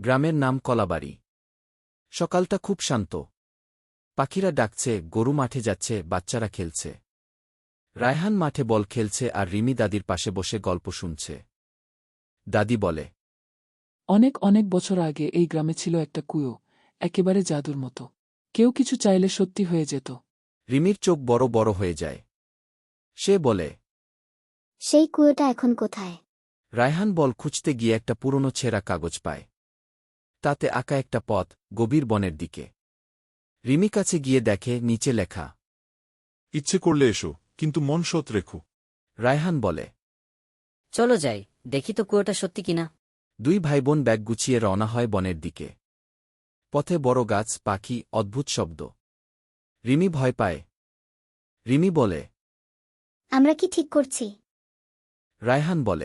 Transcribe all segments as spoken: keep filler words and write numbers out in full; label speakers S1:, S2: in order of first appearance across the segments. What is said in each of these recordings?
S1: গ্রামের নাম কলাবাড়ি। সকালটা খুব শান্ত। পাখিরা ডাকছে, গরু মাঠে যাচ্ছে, বাচ্চারা খেলছে। রায়হান মাঠে বল খেলছে আর রিমি দাদির পাশে বসে গল্প শুনছে। দাদি বলে,
S2: অনেক অনেক বছর আগে এই গ্রামে ছিল একটা কুয়ো, একেবারে জাদুর মতো। কেউ কিছু চাইলে সত্যি হয়ে যেত।
S1: রিমির চোখ বড় বড় হয়ে যায়। সে বলে,
S3: সেই কুয়োটা এখন কোথায়?
S1: রায়হান বল খুঁজতে গিয়ে একটা পুরনো ছেঁড়া কাগজ পায়। তাতে আঁকা একটা পথ, গভীর বনের দিকে। রিমি কাছে গিয়ে দেখে নিচে লেখা,
S4: ইচ্ছে করলে এসো, কিন্তু মন সৎ রেখো।
S1: রায়হান বলে,
S5: চলো যাই, দেখি তো কুয়োটা সত্যি কিনা।
S1: দুই ভাইবোন ব্যাগ গুছিয়ে রওনা হয় বনের দিকে। পথে বড় গাছ, পাখি, অদ্ভুত শব্দ। রিমি ভয় পায়। রিমি বলে,
S3: আমরা কি ঠিক করছি?
S1: রায়হান বলে,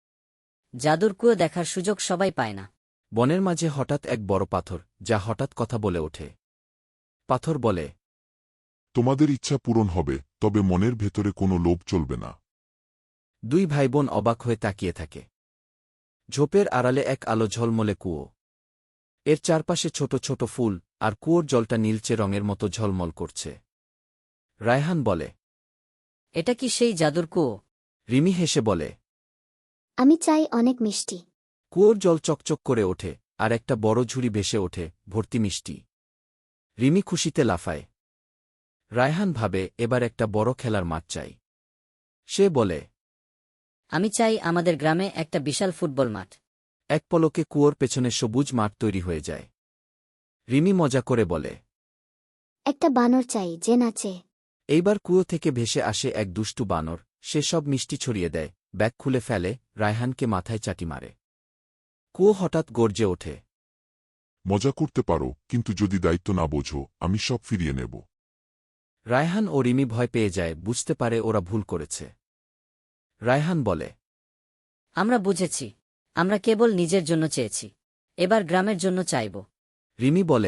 S5: জাদুর কুয়ো দেখার সুযোগ সবাই পায় না।
S1: বনের মাঝে হঠাৎ এক বড় পাথর, যা হঠাৎ কথা বলে ওঠে। পাথর বলে,
S6: তোমাদের ইচ্ছা পূরণ হবে, তবে মনের ভেতরে কোনো লোভ চলবে না।
S1: দুই ভাইবোন অবাক হয়ে তাকিয়ে থাকে। ঝোপের আড়ালে এক আলো ঝলমলে কুয়ো। এর চারপাশে ছোট ছোট ফুল, আর কুয়োর জলটা নীলচে রঙের মতো ঝলমল করছে। রায়হান বলে,
S5: এটা কি সেই জাদুর কুয়ো?
S1: রিমি হেসে বলে,
S3: আমি চাই অনেক মিষ্টি।
S1: কুয়োর জল চকচক করে ওঠে, আর একটা বড় ঝুড়ি ভেসে ওঠে, ভর্তি মিষ্টি। রিমি খুশিতে লাফায়। রায়হান ভাবে, এবার একটা বড় খেলার মাঠ চাই। সে বলে,
S5: আমি চাই আমাদের গ্রামে একটা বিশাল ফুটবল মাঠ।
S1: এক পলকে কুয়োর পেছনে সবুজ মাঠ তৈরি হয়ে যায়। রিমি মজা করে বলে,
S3: একটা বানর চাই যে নাচে।
S1: এইবার কুয়ো থেকে ভেসে আসে এক দুষ্টু বানর। সে সব মিষ্টি ছড়িয়ে দেয়, ব্যাগ খুলে ফেলে, রায়হানকে মাথায় চাটি মারে। কুয়ো হঠাৎ গর্জে ওঠে।
S6: মজা করতে পারো, কিন্তু যদি দায়িত্ব না বোঝো, আমি সব ফিরিয়ে নেব।
S1: রায়হান ও রিমি ভয় পেয়ে যায়, বুঝতে পারে ওরা ভুল করেছে। রায়হান বলে,
S5: আমরা বুঝেছি, আমরা কেবল নিজের জন্য চেয়েছি, এবার গ্রামের জন্য চাইব।
S1: রিমি বলে,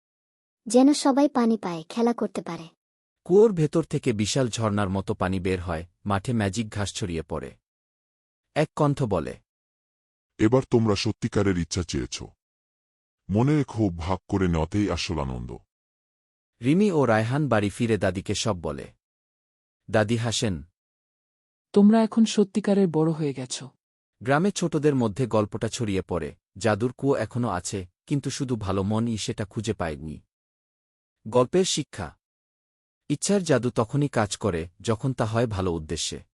S3: যেন সবাই পানি পায়, খেলা করতে পারে।
S1: কুয়োর ভেতর থেকে বিশাল ঝর্ণার মতো পানি বের হয়, মাঠে ম্যাজিক ঘাস ছড়িয়ে পড়ে। এক কণ্ঠ বলে,
S6: এবার তোমরা সত্যিকারের ইচ্ছা চেয়েছ। মনে রেখো, ভাগ করে নেওয়াতেই আসল আনন্দ।
S1: রিমি ও রায়হান বাড়ি ফিরে দাদিকে সব বলে। দাদি হাসেন।
S2: তোমরা এখন সত্যিকারের বড় হয়ে গেছ।
S1: গ্রামে ছোটদের মধ্যে গল্পটা ছড়িয়ে পড়ে, জাদুর কুয়ো এখনও আছে, কিন্তু শুধু ভালো মনই সেটা খুঁজে পায়নি। গল্পের শিক্ষা: ইচ্ছার জাদু তখনই কাজ করে যখন তা হয় ভালো উদ্দেশ্যে।